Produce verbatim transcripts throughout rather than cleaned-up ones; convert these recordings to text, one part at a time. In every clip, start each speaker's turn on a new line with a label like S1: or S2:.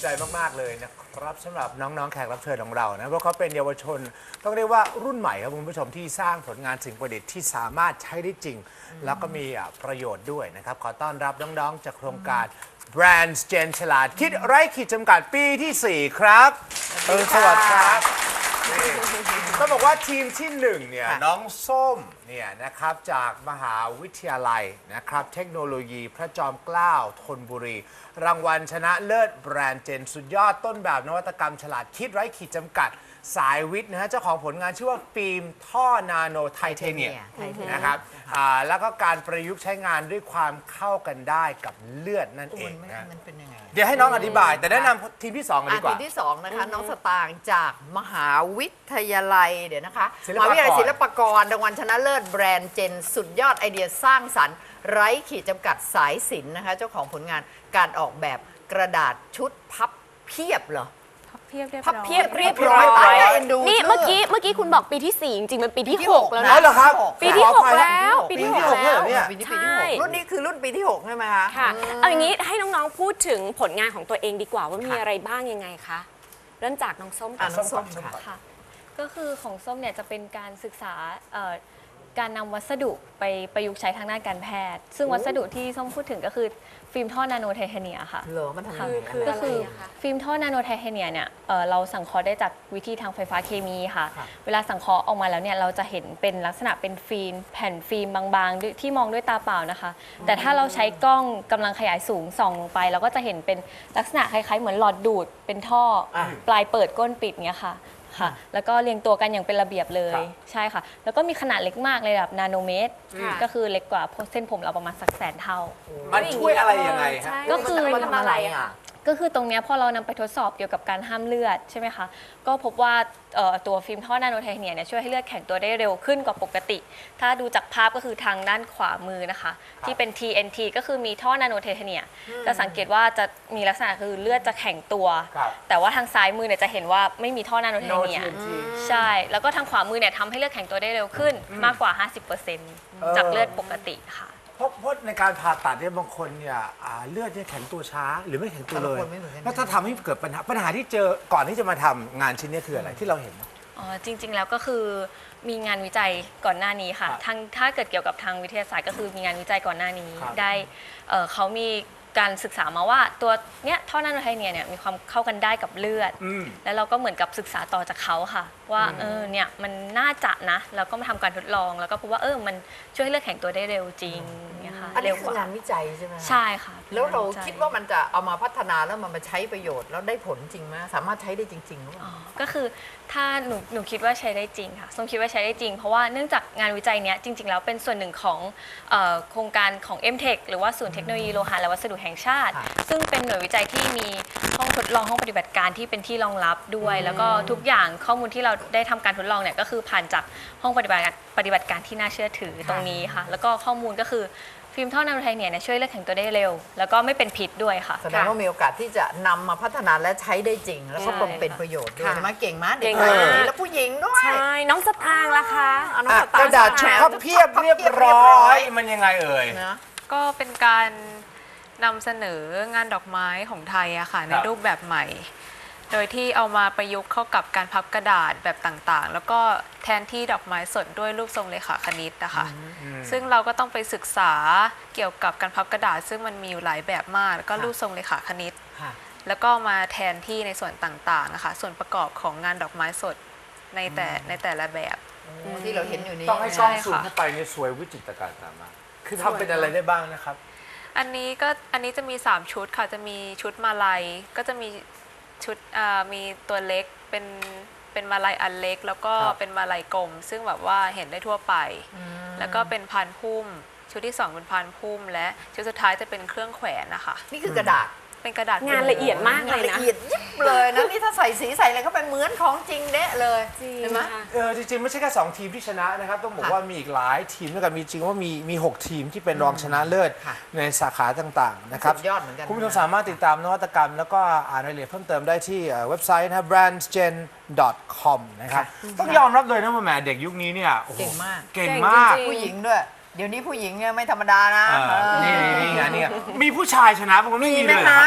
S1: ใจมากๆเลยนะครับสำหรับน้องๆแขกรับเชิญของเรานะเพราะเขาเป็นเยาวชนต้องเรียกว่ารุ่นใหม่ครับคุณผู้ชมที่สร้างผลงานสิ่งประดิษฐ์ที่สามารถใช้ได้จริง แล้วก็มีประโยชน์ด้วยนะครับขอต้อนรับน้องๆจากโครงการ Brands Gen ฉลาดคิดไร้ขีดจำกัดปีที่สี่ครับเออสวัสดีครับต้องบอกว่าทีมที่หนึ่งเนี่ยน้องส้มเนี่ยนะครับจากมหาวิทยาลัยนะครับเทคโนโลยีพระจอมเกล้าธนบุรี รางวัลชนะเลิศแบรนด์เจนสุดยอดต้นแบบนวัตกรรมฉลาดคิดไร้ขีดจำกัดสายวิทย์นะฮะเจ้าของผลงานชื่อว่าฟิล์มท่อนาโนไทเทเนียมนะครับแล้วก็การประยุกต์ใช้งานด้วยความเข้ากันได้กับเลือดนั่นเองนะ
S2: มันเป็นยังไง
S1: เดี๋ยวให้น้องอธิบายแต่แนะนำทีมที่สองกันดีกว่า
S2: ทีมที่สองนะคะน้องสตางค์จากมหาวิทยาลัยเดี๋ยวนะคะ
S1: ศิล
S2: ม
S1: ปากร
S2: หาวิทยาลัยศิลปากรรางวัลชนะเลิศแบรนด์เจนสุดยอดไอเดียสร้างสรรค์ไร้ขีดจำกัดสายสิญจน์นะคะเจ้าของผลงานการออกแบบกระดาษชุดพับเพียบเหรอ
S3: เพียบเรียบ
S2: พับ
S3: ร้อย
S2: เพียบเรียบร้อยตายแล้วเอ็นดู
S3: นี่เมื่อกี้เมื่อกี้คุณบอกปีที่สี่จริงๆมันปีที่หกแล้ว
S1: อ๋อ
S3: นะ
S1: เหรอครับ
S3: ปีที่หก
S1: ขออภัย
S3: แล้ว
S1: ปี
S3: ปี
S1: ที่
S3: ที่
S1: ห
S3: ห
S1: ก
S3: ก
S1: แล้
S3: แล้ว ว
S1: เนี่ย
S2: ปีนี้ปีที่หกรุ่นนี้คือรุ่นปีที่หกใช่ไหมคะ
S3: ค่ะเอาอย่างนี้ให้น้องๆพูดถึงผลงานของตัวเองดีกว่าว่ามีอะไรบ้างยังไงคะเริ่มจากน้องส้มก่
S2: อ่ะ
S3: อน
S2: น้องส้มค่ะ
S4: ค่ะก็คือของส้มเนี่ยจะเป็นการศึกษาเอ่อการนำวัสดุไปประยุกต์ใช้ทางด้านการแพทย์ ซึ่งวัสดุที่ส้มพูดถึงก็คือฟิล์มท่อนาโนไทเทเนียค่ะ
S2: เหรอมันทำยังไง
S3: คือ
S4: ก็คือ
S3: อะไรอะคะ
S4: ฟิล์มท่อนาโนไทเทเนียเนี่ยเอ่อเราสังเคราะห์ได้จากวิธีทางไฟฟ้าเคมีค่ะ
S2: ค่ะ
S4: เวลาสังเคราะห์ออกมาแล้วเนี่ยเราจะเห็นเป็นลักษณะเป็นฟิล์มแผ่นฟิล์มบางๆด้วยที่มองด้วยตาเปล่านะคะ แต่ถ้าเราใช้กล้องกำลังขยายสูงส่องลงไป เราก็จะเห็นเป็นลักษณะคล้ายๆ เหมือนหลอดดูดเป็นท่ออะ ปลายเปิดก้นปิดเงี้ยค่ะค่ะ แล้วก็เรียงตัวกันอย่างเป็นระเบียบเลย
S1: ครับ
S4: ใช่ค่ะ แล้วก็มีขนาดเล็กมากเลยแบบนาโนเมตร
S3: ค่ะ
S4: ก็คือเล็กกว่าเส้นผมเราประมาณสักแสนเท่า
S1: มันช่วยอะไรยังไงฮะ
S3: ใช่
S4: ก็คือ
S3: มันทำอะไรอะคะ
S4: ก็คือตรงเนี้ยพอเรานำไปทดสอบเกี่ยวกับการห้ามเลือดใช่ไหมคะ ก็พบว่าเอ่อตัวฟิล์มท่อนาโนไทเทเนียเนี่ยช่วยให้เลือดแข็งตัวได้เร็วขึ้นกว่าปกติ ถ้าดูจากภาพก็คือทางด้านขวามือนะคะ ที่เป็น ที เอ็น ที ก็คือมีท่อนาโนไทเทเนียจะสังเกตว่าจะมีลักษณะคือเลือดจะแข็งตัว
S1: ครับ
S4: แต่ว่าทางซ้ายมือเนี่ยจะเห็นว่าไม่มีท่อนาโนไทเท
S1: No
S4: เนีย
S1: ที เอ็น ที
S4: ใช่ แล้วก็ทางขวามือเนี่ยทำให้เลือดแข็งตัวได้เร็วขึ้นมากกว่า ห้าสิบเปอร์เซ็นต์ จากเลือดปกติค่ะ
S1: เพราะเพราะในการผ่าตัดเนี่ยบางคนเนี่ยอ่าเลือดเนี่ยแข็งตัวช้าหรือไม่แข็งตัวเลย
S2: แต่ละคนไม่เหมือนกันนะ
S1: แล้วถ้าทำให้เกิดปัญหาปัญหาที่เจอก่อนที่จะมาทำงานชิ้นนี้คืออะไรที่เราเห็น
S4: อ๋อจริงๆแล้วก็คือมีงานวิจัยก่อนหน้านี้ค่ะ
S1: ครับ
S4: ทางถ้าเกิดเกี่ยวกับทางวิทยาศาสตร์ก็คือมีงานวิจัยก่อนหน้านี้
S1: ครับ
S4: ได้เอ่อเขามีการศึกษามาว่าตัวเนี้ยท่อนาโนไทเทเนียเนี่ยมีความเข้ากันได้กับเลือด
S1: อืม
S4: แล้วเราก็เหมือนกับศึกษาต่อจากเขาค่ะ ว่าเออเนี่ยมันน่าจะนะแล้วก็มาทำการทดลอง แล้วก็พบว่าเออมันช่วยให้เลือดแข็งตัวได้เร็วจริงเนี่ยค่ะ
S2: อันนี้
S4: เร็ว
S2: คื
S4: ก
S2: อ
S4: ว่า
S2: งานวิจัยใช่ไหม
S4: ใช่ค่ะ
S2: แล้วเรา
S4: ป็นงน
S2: คิดว่ามันจะเอามาพัฒนาแล้วมันมาใช้ประโยชน์แล้วได้ผลจริงไหมสามารถใช้ได้จริงๆหรือเปล่า
S4: อ๋อก็คือถ้าหนูหนูคิดว่าใช้ได้จริงค่ะส้มคิดว่าใช้ได้จริง เพราะว่าเนื่องจากงานวิจัยเนี้ยจริง ๆ แล้วเป็นส่วนหนึ่งของเอ่อโครงการของ เอ็ม เทค หรือว่าศูนย์เทคโนโลยีโลหะและวัสดุแห่งชาติ
S2: ค่ะ
S4: ซึ่งเป็นหน่วยวิจัยที่มีห้องทดลองห้องปฏิบัติการที่เป็นที่รองรับด้วย แล้วก็ทุกอย่างข้อมูลที่เราได้ทำการทดลองเนี่ยก็คือผ่านจากห้องปฏิบัติการปฏิบัติการที่น่าเชื่อถือตรงนี้ค่ะ แล้วก็ข้อมูลก็คือฟิล์มท่อนาโนไทเทเนียเนี่ยช่วยเลือดแข็งตัวได้เร็ว แล้วก็ไม่เป็นพิษด้วยค่ะ
S2: แสดงว่ามีโอกาสที่จะนำมาพัฒนาและใช้ได้จริง แล้วก็
S4: ใช่
S2: เป็นประโยชน์ด้วย
S3: ค่ะ
S2: ใช่ไหมเก่งมากเด็ก
S3: เก่ง
S2: มาม
S3: าก
S2: แล้วผู้หญิงด้วย
S3: ใช่น้องสตางค์ล่ะคะ
S2: อ่ะน้อง
S1: อ่ะ
S2: สตางค์
S1: กระดาษชุดพับเพียบเรียบร้อยมันยังไงเอ่ย
S2: นะ
S5: ก็เป็นการนำเสนองานดอกไม้ของไทยอะค่ะในรูปแบบใหม่ โดยที่เอามาประยุกต์เข้ากับการพับกระดาษแบบต่างๆ แล้วก็แทนที่ดอกไม้สดด้วยรูปทรงเลขาคณิตนะคะซึ่งเราก็ต้องไปศึกษาเกี่ยวกับการพับกระดาษ ซึ่งมันมีอยู่หลายแบบมาก แล้วก็รูปทรงเลขาคณิต
S2: ค่ะ
S5: แล้วก็มาแทนที่ในส่วนต่างๆนะคะส่วนประกอบของงานดอกไม้สดในแต่ในแต่ละแบบ
S2: ที่เราเห็นอยู่นี้
S1: ต้องให้กล้อง
S5: ใช่ค่ะ
S1: ซูมเข้าไปเนี่ยสวยวิจิตรการตามมาคือทำเป็นอะไรได้บ้างนะครับ
S5: อันนี้ก็อันนี้จะมีสามชุดค่ะจะมีชุดมาลัยก็จะมีชุดอ่ามีตัวเล็กเป็นเป็นมาลัยอันเล็ก แล้วก็
S1: ครับ
S5: เป็นมาลัยกลม ซึ่งแบบว่าเห็นได้ทั่วไป แล้วก็เป็นพานพุ่ม ชุดที่สองเป็นพานพุ่ม และชุดสุดท้ายจะเป็นเครื่องแขวนนะคะ
S2: นี่คือกระดาษ
S5: เป็นกระดาษ
S3: งานละเอียดมากเลย
S2: ละ
S3: นะ
S2: เอียดยิบเลยนะนี่ถ้าใส่สีใส่อะไรเข้าไปเหมือนของจริงเดะเลย
S3: จริง
S2: เห็นไหม
S3: ค่ะ
S1: เออจริงๆ ไม่ใช่แค่สองทีมที่ชนะนะครับ ต้องบอก
S2: ค่ะ
S1: ว่ามีอีกหลายทีมด้วยกันมีจริงว่ามีมีหกทีมที่เป็นรองชนะเลิศ
S2: ค่ะ
S1: ในสาขาต่างๆนะครับ
S2: สุดยอดเหมือนกัน
S1: คุณผู้ชมสามารถติดตามนวัตกรรม แล้วก็อ่านรายละเอียดเพิ่มเติมได้ที่เอ่อเว็บไซต์นะครับ brands gen dot com นะครับ ต้องยอมรับเลยนะว่าแหมเด็กยุคนี้เนี่ยโอ้โห
S2: เก่งมาก
S1: เก่ง
S3: เก่ง
S1: มาก
S3: จริง
S2: ผู้หญิงด้วย เดี๋ยวนี้ผู้หญิงเนี่ยไม่ธรรมดานะ
S1: เออนี่นี่นี่ไงนี่ไงมีผู้ชายชนะบางคนไม่มี
S2: มีไหม
S1: เลยเหรอ
S2: คะ
S1: ครับ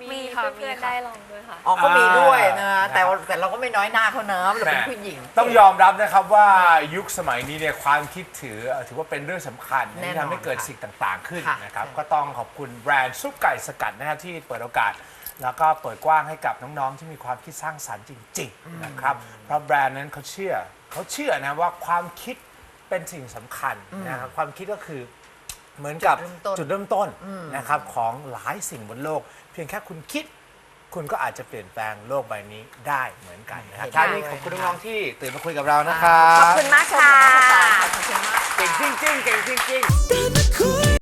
S5: มีค่ะ
S4: เพื่อน
S5: มี
S4: ๆ
S5: ค่ะ
S4: ได้ลองด้วยค่ะ
S2: อ๋อก็มีด้วยนะ
S1: อ่า
S2: แต่ว่าแต่เราก็ไม่น้อยหน้าเขาเนอะเราเป็น
S1: แหม่
S2: ผู้หญิง
S1: ต้องยอมรับนะครับว่ายุคสมัยนี้เนี่ยความคิดถือเอ่อถือว่าเป็นเรื่องสำคัญ
S2: แน่นอน
S1: ที่ทำให้เกิดสิ่งต่างๆขึ้น
S2: ค่ะ
S1: นะครับ
S2: ใช่
S1: ก็ต้องขอบคุณแบรนด์ซุปไก่สกัดนะครับที่เปิดโอกาส แล้วก็เปิดกว้างให้กับน้องๆที่มีความคิดสร้างสรรค์จริงๆนะครับเพราะแบรนด์นั้นเขาเชื่อเขาเชื่อนะว่าความคิดเป็นสิ่งสำคัญนะครับความคิดก็คือเหมือนกับ
S2: จุดเริ่มต้น
S1: จุดเริ่มต้นนะครับของหลายสิ่งบนโลก เพียงแค่คุณคิด คุณก็อาจจะเปลี่ยนแปลงโลกใบนี้ได้เหมือนกันนะครับ
S2: เห็นด้วย
S1: ท้ายนี้ขอบคุณน้องๆที่ตื่นมาคุยกับเรานะครั
S3: ขอบบ คุณมากค่ะ
S2: ขอบคุณมาก
S1: เก่งจริงๆเก่งจริงๆ